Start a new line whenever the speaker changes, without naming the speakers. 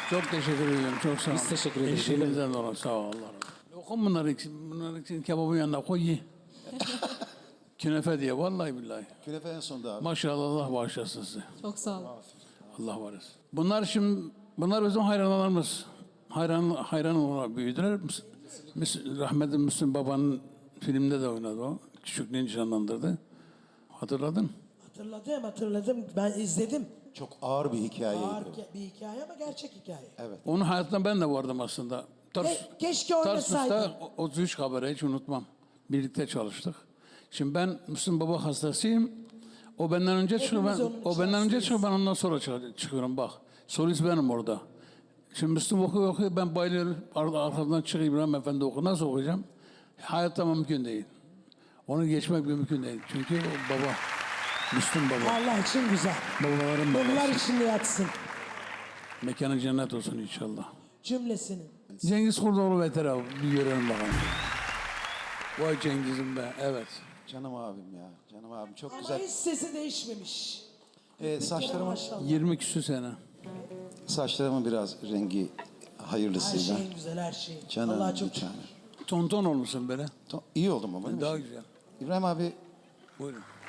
Çok teşekkür ediyorum. Çok sağ olun.
Biz teşekkür ederiz.
İşinizden dolayı sağ ol. Allah razı olsun. Lokum bunları için. Bunları için kebabın yanına koy ye. Künefe diye vallahi billahi.
Künefe en sonda abi.
Maşallah Allah bağışlasın sizi.
Çok sağ olun.
Allah var etsin. Bunlar bizim hayranlarımız. Hayran olarak büyüdüler. Rahmetli Müslüm Baba'nın filmde de oynadı o. Küçüklüğünü canlandırdı. Hatırladın?
Hatırladım. Ben izledim.
Çok ağır bir hikayeydi.
Ağır bir hikaye ama gerçek hikaye.
Evet.
Onun hayatında ben de vardım aslında.
Keşke oynasaydın.
Tarsus'ta 33 habere hiç unutmam. Birlikte çalıştık. Şimdi ben Müslüm Baba hastasıyım. O benden önce çıkıyor. O benden önce çıkıyor. Ben ondan sonra çıkıyorum bak. Solist benim orada. Şimdi Müslüm okuyor. Ben bayılıyorum. Arkadan çık İbrahim Efendi oku. Nasıl okuyacağım? Hayatta mümkün değil. Onu geçmek mümkün değil. Çünkü o baba. Müslüm Baba.
Allah için güzel.
Babaların
Bunlar
babası.
içinde yatsın.
Mekanı cennet olsun inşallah.
Cümlesinin.
Cengiz Kurdoğlu Veter abi. Bir görelim bakalım. Vay Cengiz'im be. Evet.
Canım abim ya. Canım abim çok
Ama
güzel.
hiç sesi değişmemiş.
Saçlarımın
20 küsur sene.
biraz rengi
Her
hayırlısıyla.
şeyin güzel, her şeyin.
Canım
Allah
bir
çok
tane.
Tonton olmuşsun böyle.
İyi oldum ama değil mi?
Daha güzel.
İbrahim abi
Buyurun.